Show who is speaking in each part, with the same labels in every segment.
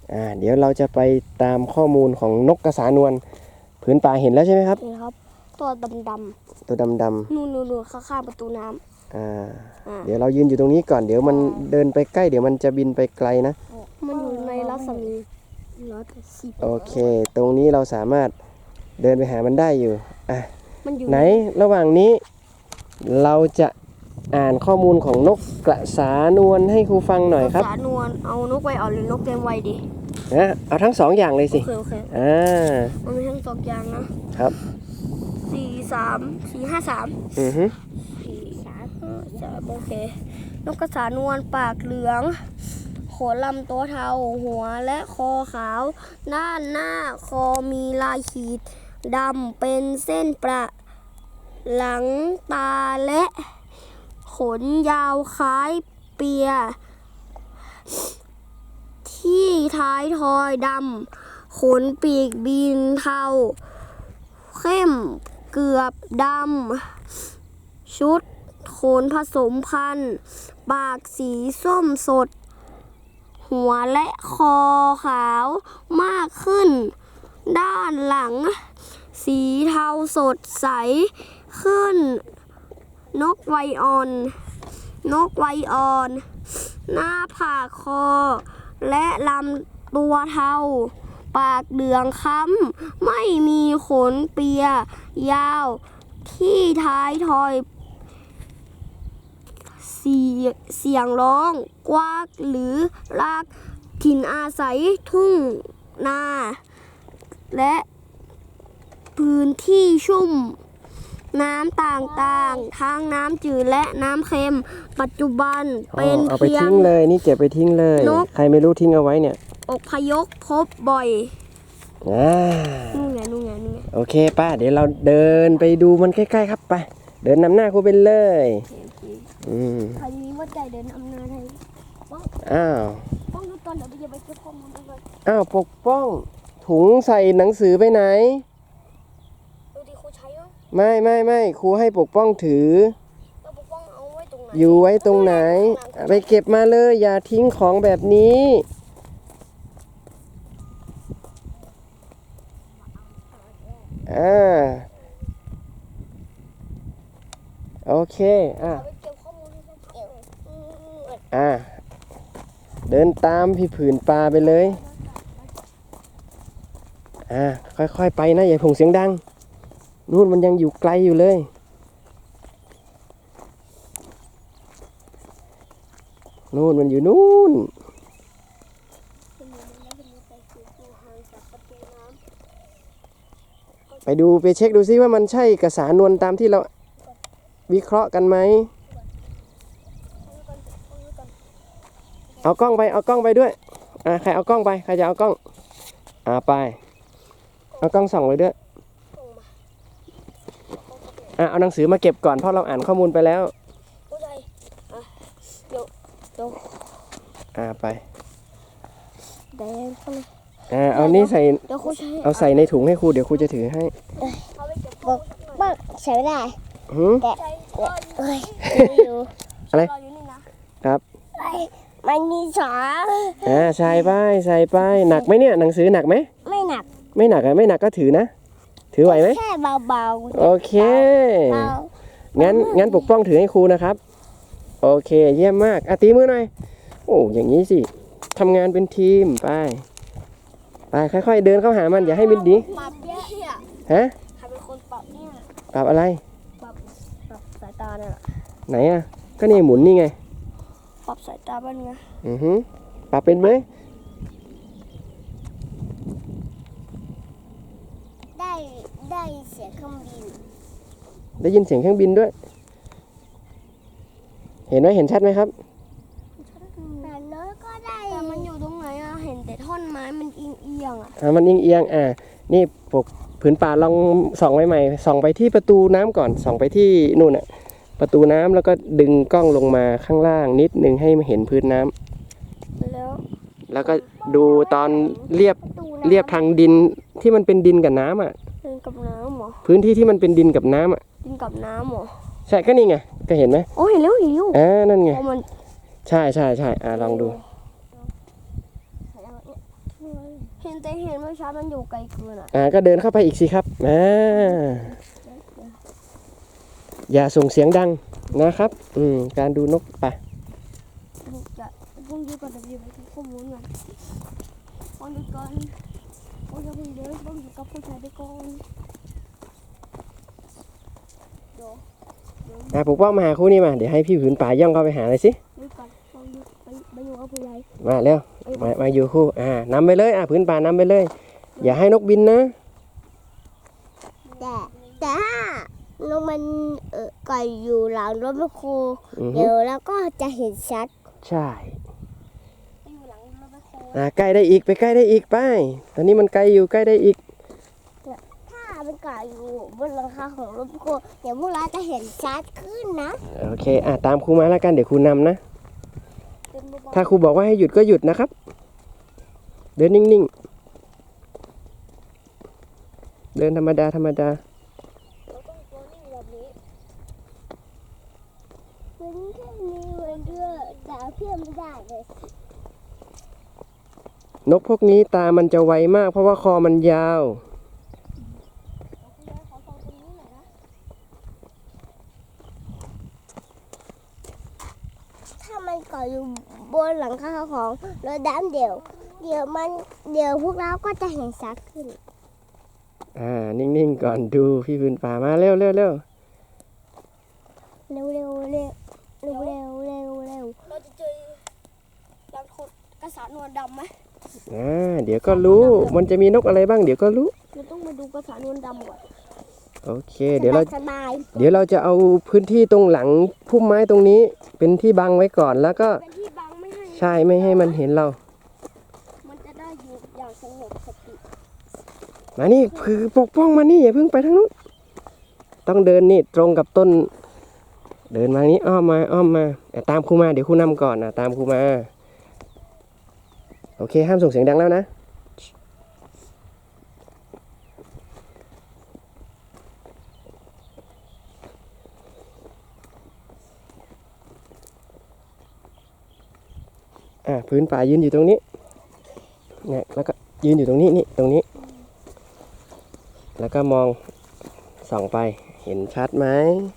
Speaker 1: เดี๋ยวเราจะไปตามข้อมูลของนกกระสานวลผืนป่าเห็นแล้วใช่ไหมครับ
Speaker 2: เห็นครับตัวดำ
Speaker 1: ตัวดำ
Speaker 2: ๆนู่นข้างๆประตูน้
Speaker 1: เดี๋ยวเรายืนอยู่ตรงนี้ก่อนเดี๋ยวมันเดินไปใกล้เดี๋ยวมันจะบินไปไกลนะ
Speaker 2: มันอยู่ในรัศมี180
Speaker 1: โอเคตรงนี้เราสามารถเดินไปหามันได้อยู่
Speaker 2: มันอยู่
Speaker 1: ไหนระหว่างนี้เราจะอ่านข้อมูลของนกกระสานวลให้ครูฟังหน่อยครับ
Speaker 2: กระสานวลเอานกไวอ่อนหรือนกเต็มวัยดี
Speaker 1: เอาทั้งสองอย่างเลยสิ
Speaker 2: โอเคมันมีทั้งสองอย่างนะครับ4-3-4-5-34-3-5-3โอเคนกกระสานวลปากเหลืองขนลำตัวเทาหัวและคอขาวด้านหน้าคอมีลายขีดดำเป็นเส้นประหลังตาและขนยาวคล้ายเปียที่ท้ายทอยดำขนปีกบินเทาเข้มเกือบดำชุดขนผสมพันธุ์ปากสีส้มสดหัวและคอขาวมากขึ้นด้านหลังสีเทาสดใสขึ้นนกไวอ่อนหน้าผากคอและลำตัวเทาปากเหลืองค้ำไม่มีขนเปียยาวที่ท้ายทอยเสียงร้องกวากหรือลากถิ่นอาศัยทุ่งนาและพื้นที่ชุ่มน้ำต่างๆทั้งน้ำจืดและน้ำเค็มปัจจุบันเป็น
Speaker 1: เอาไปทิ้งเลยนี่เก็บไปทิ้งเลยใครไม่รู้ทิ้งเอาไว้เนี่ย
Speaker 2: อพยพพบบ่อยนู่นไง
Speaker 1: โอเคป้าเดี๋ยวเราเดินไปดูมันใกล้ๆครับไปเดินนำหน้าครูไปเลย
Speaker 2: ใครมีว่าใจเดินอำนาจให้
Speaker 1: ป้
Speaker 2: องดูตอนเดี๋ยวจะไปเก็บข้อมูลด้วย
Speaker 1: ปกป้องถุงใส่หนังสือไปไหน
Speaker 2: ดูดิครูใช้
Speaker 1: ไม่ครูให้ปกป้องถือ
Speaker 2: ปกป้องเอาไว้ตรงไหน
Speaker 1: อยู่ไว้ตรงไหนไปเก็บมาเลยอย่าทิ้งของแบบนี้โอเคเดินตามพี่ผืนปลาไปเลยค่อยๆไปนะอย่าผงเสียงดังนู่นมันยังอยู่ไกลอยู่เลยนู่นมันอยู่นู่นไปดูไปเช็คดูซิว่ามันใช่กระสานวลตามที่เราวิเคราะห์กันไหมเอากล้องไปด้วยใครเอากล้องไปใครจะเอากล้องไปเอากล้องส่องไปด้วยเอาหนังสือมาเก็บก่อนเพราะเราอ่านข้อมูลไปแล้วไปเอานี่ใส่เอาใส่ในถุงให้ครูเดี๋ยวครูจะถือให้
Speaker 2: บ้างใช้ไม่ได้
Speaker 1: อะไรครับ
Speaker 2: มันมีสอง
Speaker 1: ใส่ไปหนักไหมเนี่ยหนังสือหนักไหม
Speaker 2: ไม่หนัก
Speaker 1: ไม่หนักก็ถือนะถือไหวไหม
Speaker 2: แค่เบาๆ
Speaker 1: โอเคงั้นปกป้องถือให้ครูนะครับโอเคเยี่ยมมากตีมือหน่อยโอ้อย่างนี้สิทำงานเป็นทีมไปค่อยๆเดินเข้าหามันอย่าให้มิดดี
Speaker 2: ปรับเนี่ย
Speaker 1: ฮะ
Speaker 2: ใครเป็นคนปรับเนี่ย
Speaker 1: ปรับอะไร
Speaker 2: ปรับสายตาเนี่ย
Speaker 1: ไหนก็นี่หมุนนี่ไง
Speaker 2: ปรับสายตาบ้างไง
Speaker 1: ปรับเป็นไหม
Speaker 2: ได้เสียงเครื่องบิน
Speaker 1: ได้ยินเสียงเครื่องบินด้วยเห็นไหมเห็นชัดไหมครับ
Speaker 2: แต่เนื้อก็ได้แต่มันอยู่ตรงไหนเห็นแต่ท่อนไม้มันเอียง
Speaker 1: มันเอียงนี่ปกผืนป่าลองส่องใหม่ส่องไปที่ประตูน้ำก่อนส่องไปที่นู่นประตูน้ำแล้วก็ดึงกล้องลงมาข้างล่างนิดนึงให้เห็นพื้นน้
Speaker 2: ำ
Speaker 1: แล้วก็ดูตอนเรียบทางดินที่มันเป็นดินกับน้ำ
Speaker 2: กับน้ำหรอ
Speaker 1: พื้นที่ที่มันเป็นดินกับน้ำ
Speaker 2: ดินกับน้ำหรอ
Speaker 1: ใช่ก็นี่ไงก็เห็นไหม
Speaker 2: โอ้เห็นแล้ว
Speaker 1: นั่นไงใช่ลองดู
Speaker 2: เห็นแต่เห็นเมื่อเช้ามันอยู่ไกลเกินอ่ะ
Speaker 1: ก็เดินเข้าไปอีกสิครับอย่าส่งเสียงดังนะครับการดูนกไป
Speaker 2: จะต้องยืดก่อนจะยืดไปที่ข้อมูลก่อนต้องยืดก่อนต้องจะพูดเยอะต้องอยู่กับผู้ชายไปก่อนเดี๋ยว
Speaker 1: ปกป้องมาหาคู่นี้มาเดี๋ยวให้พี่ผืนป่าย่องเข้าไปหาเลยสิ
Speaker 2: ยืดก่อนต้องยืดไปอยู่กับผู้ใหญ่
Speaker 1: มาเร็วมาอยู่คู่นำไปเลยผืนป่านำไปเลย อย่าให้นกบินนะ
Speaker 2: แต่ถ้านกมันไก่อยู่หลังรถแมคโครเดี๋ยวแล้วก็จะเห็นชัด
Speaker 1: ใช่
Speaker 2: อยู่หลังรถแมคโคร
Speaker 1: ใกล้ได้อีกไปใกล้ได้อีกไปตอนนี้มันไกลอยู่ใกล้ได้อีก
Speaker 2: ถ้าเป็นไก่อยู่บนหลังคาของรถแมคโครเดี๋ยวพวกเราจะเห็นชัดขึ้นนะ
Speaker 1: โอเคตามครูมาแล้วกันเดี๋ยวครูนำนะ
Speaker 2: เป็นเบา
Speaker 1: ถ้าครูบอกว่าให้หยุดก็หยุดนะครับ เดินนิ่งๆเดินธรรมดา
Speaker 2: ๆเราต้องตัวนิ่งแบบนี้มันแค่มีวันเดียวแต่เพื่อนไม่ได้เลย
Speaker 1: นกพวกนี้ตามันจะไวมากเพราะว่าคอมันยาว
Speaker 2: ถ้ามันเกาะอยู่บนหลังคาของรถดำเดี๋ยวพวกเราก็จะเห็นชัดขึ้น
Speaker 1: นิ่งๆก่อนดูพี่พื้นป่ามาเร็ว
Speaker 2: เร็วเราจะเจอรังกระสานวลดำไหม
Speaker 1: เดี๋ยวก็รู้มันจะมีนกอะไรบ้างเดี๋ยวก็รู้
Speaker 2: เราต้องมาดูกระสานวลดำก่อน
Speaker 1: โอเคเดี๋ยวเรา
Speaker 2: สบาย
Speaker 1: เอาพื้นที่ตรงหลังพุ่มไม้ตรงนี้เป็นที่บังไว้ก่อนแล้วก็
Speaker 2: เป็นที่บังไม่ให้
Speaker 1: ใช่ไม่ให้มันเห็นเรา
Speaker 2: มันจะได้อยู่อย่างสงบสติ
Speaker 1: มานี่คือปกป้องมานี่อย่าเพิ่งไปทางนู้นต้องเดินนี่ตรงกับต้น เดินมานี้อ้อมมาตามครูมาเดี๋ยวครูนำก่อนตามครูมาโอเคห้ามส่งเสียงดังแล้วนะพื้นป่ายืนอยู่ตรงนี้เนี่ยแล้วก็ยืนอยู่ตรงนี้นี่ตรงนี้ แล้วก็มองส่องไปเห็นชัดไหม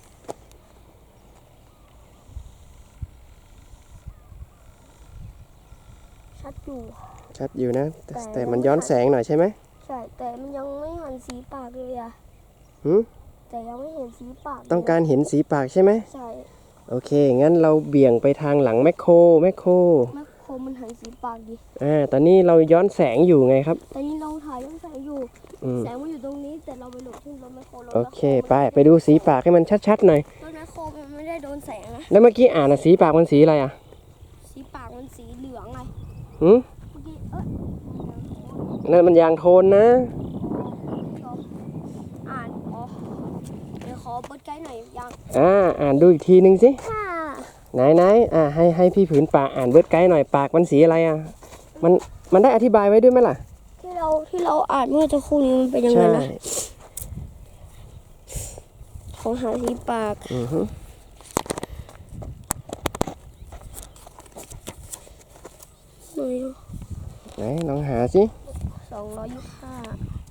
Speaker 2: ชัดอยู่
Speaker 1: ชัดอยู่นะแต่มันย้อนแสงหน่อยใช่ไหม
Speaker 2: ใช่แต่มันยังไม่เห็นสีปากเลยอะ
Speaker 1: หืม
Speaker 2: แต่ยังไม่เห็นสีปาก
Speaker 1: ต้องการเห็นสีปากใช่ไหม
Speaker 2: ใช่
Speaker 1: โอเคงั้นเราเบี่ยงไปทางหลังแมคโคร
Speaker 2: แม่โคมันเห็นสีปากดิ
Speaker 1: ตอนนี้เราย้อนแสงอยู่ไงครับ
Speaker 2: แต่นี่เราถ่ายยังแสงอยู่
Speaker 1: ม
Speaker 2: แสงมันอยู่ตรงนี้แต่เราไปหลบที่รถแมคโคร
Speaker 1: โอเคไปดูสีปากให้มันชัดๆหน่อย
Speaker 2: รถแมคโครมันไม่ได้โดนแสงนะ
Speaker 1: แล้วเมื่อกี้สีปากมันสีอะไร
Speaker 2: สีปากมันสีเหลืองไง
Speaker 1: หืม
Speaker 2: เมื่อกี้
Speaker 1: นั่นมันยางโทนนะ
Speaker 2: อ่านเดี๋ยวขอเปิดไกด์หน่อยยัง
Speaker 1: อ่านดูอีกทีนึงสิ
Speaker 2: ค่ะ
Speaker 1: ไหนให้พี่ผืนป่าอ่านเบิร์ดไกด์หน่อยปากมันสีอะไรมันได้อธิบายไว้ด้วยไหมล่ะ
Speaker 2: ที่เราอ่านเมื่อจะครู่นี้มันเป็นยังไง
Speaker 1: ใช่
Speaker 2: นะของหาสีปาก
Speaker 1: อือฮึ ไหนลองหาสิ
Speaker 2: 225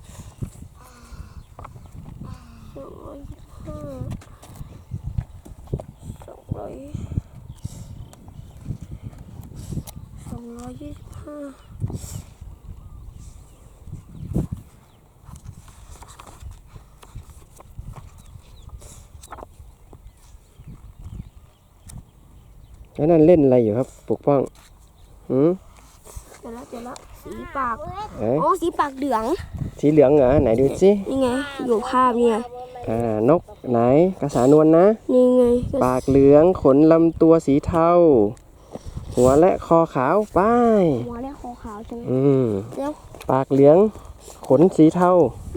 Speaker 1: แล้วนั่นเล่นอะไรอยู่ครับปกป้องหืม
Speaker 2: เจอละสีปาก สีปากเหลือง
Speaker 1: สีเหลืองเหรอไหนดูสิ
Speaker 2: นี่ไง อยู่ภาพเนี่ย
Speaker 1: นกไหนกระสานวลนะ
Speaker 2: นี่ไง
Speaker 1: ปากเหลืองขนลำตัวสีเทาหัวและคอขาวป้าย
Speaker 2: หัวและคอขาวใช่ไหม แล้ว
Speaker 1: ปากเหลืองขนสีเทา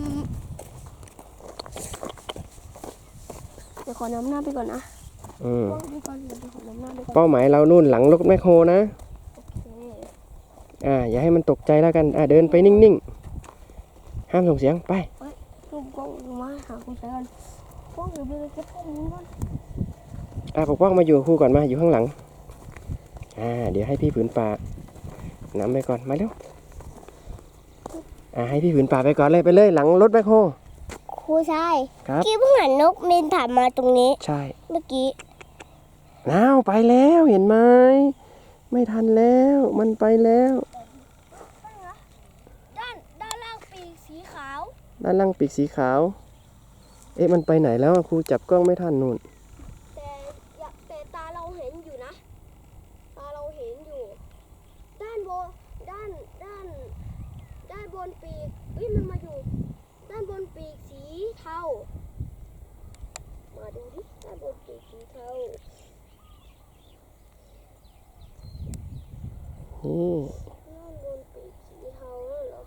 Speaker 2: เดี๋ยวขอนำหน้าไปก่อนนะ
Speaker 1: อืม
Speaker 2: ไปก่อนเดี๋ยวขอนำหน้าไปก่อน
Speaker 1: เป้าหมายเรานู่นหลังรถแมคโครนะ
Speaker 2: โอเค
Speaker 1: อย่าให้มันตกใจแล้วกันเดินไปนิ่งๆห้ามส่งเสียงไป
Speaker 2: ลูกกล้องมาหาคุณชายกันกล้องอยู่บนเก็บข้อมูลก่อน
Speaker 1: ปกป้องมาอยู่กับครูก่อนมาอยู่ข้างหลังเดี๋ยวให้พี่ผืนป่านำไปก่อนมาเร็วให้พี่ผืนป่าไปก่อนเลยไปเลยหลังรถแบคโฮ
Speaker 2: ครูชาย
Speaker 1: ครับ
Speaker 2: กี้เพิ่งเห็นนกบินผ่านมาตรงนี้
Speaker 1: ใช่
Speaker 2: เมื่อกี้
Speaker 1: อ้าวไปแล้วเห็นไหมไม่ทันแล้วมันไปแล้ว
Speaker 2: ด้านล่างปีกสีขาว
Speaker 1: ด้านล่างปีกสีขาวเอ๊ะมันไปไหนแล้วอะครูจับกล้องไม่ทันนู่น
Speaker 2: แต่ตาเราเห็นอยู่นะ ตาเราเห็นอยู่ ด้านบนด้านบนปีกมันมาอยู่ ด้านบนปีกสีเทา มาดูดิด้านบนปีกสีเทา
Speaker 1: นี่
Speaker 2: ด้านบนปีกสีเทานั่นเหรอ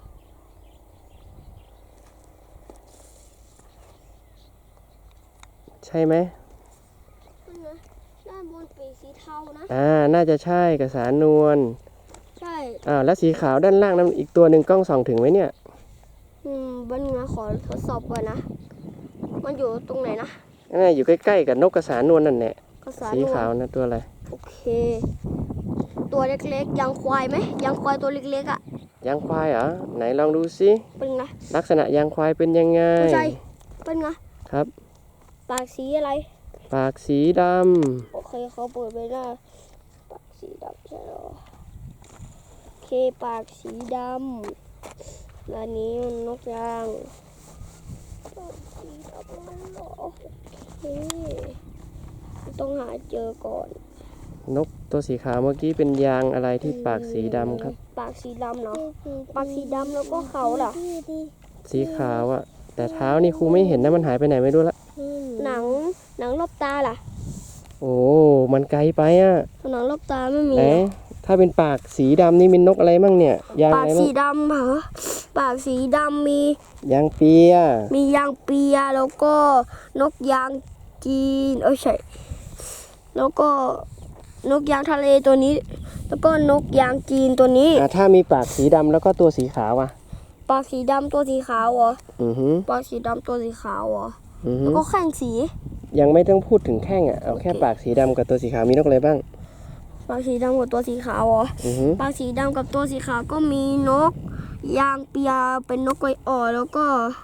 Speaker 1: ใช่ไหม
Speaker 2: นั่นนะด้านบนปีกสีเทานะ
Speaker 1: น่าจะใช่กระสานวล
Speaker 2: ใช่
Speaker 1: แล้วสีขาวด้านล่างนั้นอีกตัวหนึ่งกล้องส่องถึงไหมเนี่ย
Speaker 2: บันงาขอทดสอบก่อนนะ มันอยู่ตรงไหนนะ
Speaker 1: อยู่ใกล้ๆกับนกกระสานวลนั่นแหละ
Speaker 2: ภาษา
Speaker 1: สีขาวนะตัวอะไร
Speaker 2: โอเค ตัวเล็กๆยังควายไหมยังควายตัวเล็กๆอ่ะ
Speaker 1: ยางควายเหรอไหนลองดูสิ
Speaker 2: เป็นไง
Speaker 1: ลักษณะยางควายเป็นยังไง
Speaker 2: ไม่ใช่เป็นไง
Speaker 1: ครับ
Speaker 2: ปากสีอะไร
Speaker 1: ปากสีด
Speaker 2: โอเคเขาเปิดไปหน้าปากสีดำใช่หรอโอเคปากสีดำแล้วนี้มันนกยางปากสีดำมันเหรอโอเคต้องหาเจอก่อน
Speaker 1: ำนกตัวสีขาวเมื่อกี้เป็นยางอะไรที่ปากสีดำครับ
Speaker 2: ปากสีดำเนาะปากสีดำแล้วก็เขาล่ะ
Speaker 1: สีขาวอะแต่เท้านี่ครูไม่เห็นนะมันหายไปไหนไม่รู้ละ
Speaker 2: หนังรอบตาล่ะ
Speaker 1: โอ้มันไกลไปอะ
Speaker 2: หนังรอบตาไม่มี
Speaker 1: ไหนถ้าเป็นปากสีดำนี่มีนกอะไรมั่งเนี่ยยาง
Speaker 2: ปา
Speaker 1: อะ
Speaker 2: ก
Speaker 1: ไร
Speaker 2: สี
Speaker 1: มั่ง
Speaker 2: ดำเหรอปากสีดำมี
Speaker 1: ยางเปีย
Speaker 2: มียางเปียแล้วก็นกยางจีนใช่แล้วก็นกยางทะเลตัวนี้ แล้วก็นกยางจีนตัวนี้
Speaker 1: ถ้ามีปากสีดำแล้วก็ตัวสีขาวอะ
Speaker 2: ปากสีดำตัวสีขาวเหรอ
Speaker 1: อือหือ
Speaker 2: ปากสีดำตัวสีขาวเหรอ
Speaker 1: อือหื
Speaker 2: แล้ว
Speaker 1: อ
Speaker 2: ก็แข้งสี
Speaker 1: ยังไม่ต้องพูดถึงแข้งอะเอาแค่ปากสีดำกับตัวสีขาวมีนกอะไรบ้าง
Speaker 2: ปากสีดำกับตัวสีขาวเหรอ
Speaker 1: อือหือ
Speaker 2: ปากสีดำกับตัวสีขาวก็มีนกยางเปียเป็นนกไก่อ่อนแล้วก็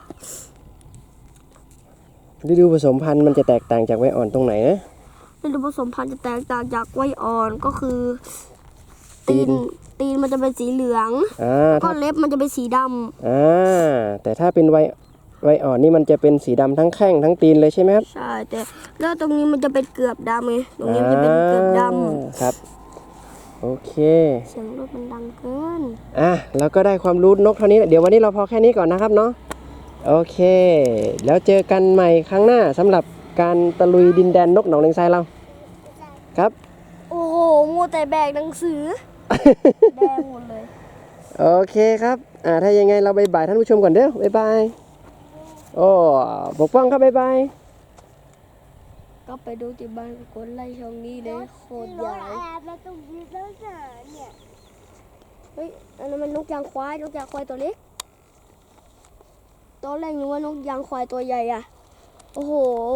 Speaker 1: ฤดูผสมพันธุ์มันจะแตกต่างจากไว้อ่อนตรงไหนนะ
Speaker 2: ฤดูผสมพันธุ์จะแตกต่างจากไว้อ่อนก็คือ
Speaker 1: ตีน
Speaker 2: ตีนมันจะเป็นสีเหลือง ก็
Speaker 1: ถ้า
Speaker 2: เล็บมันจะเป็นสีดำ
Speaker 1: แต่ถ้าเป็นไวอ่อนนี่มันจะเป็นสีดำทั้งแข้งทั้งตีนเลยใช่ไหมครับ
Speaker 2: ใช่แต่แล้วตรงนี้มันจะเป็นเกือบดำไงตรงนี้มันจะเป็นเกือบด
Speaker 1: ครับ โอเค
Speaker 2: ำเสียงรถมันดังเกิน
Speaker 1: เราก็ได้ความรู้นกเท่านี้เดี๋ยววันนี้เราพอแค่นี้ก่อนนะครับเนาะโอเค แล้วเจอกันใหม่ครั้งหน้าสำหรับการตะลุยดินแดนนกหนองเลงทรายเราครับ
Speaker 2: โอ้โหมัวแต่แบกหนังสือ แดงหมดเลย
Speaker 1: โอเคครับถ้ายังไงเราบายบายท่านผู้ชมก่อนเด้อบายบายโอ้ปกป้องครับบายบาย
Speaker 2: ก็ไปดูที่บ้านคนไล่ช่องนี้เลยโคตรใหญ่
Speaker 3: มาตรงนี้แล้วเนี่ย
Speaker 2: เฮ้ยอันนั้นมันนกยางควายตัวเล็กตอนแรกนึกว่านกยางควายตัวใหญ่อะโอ้โห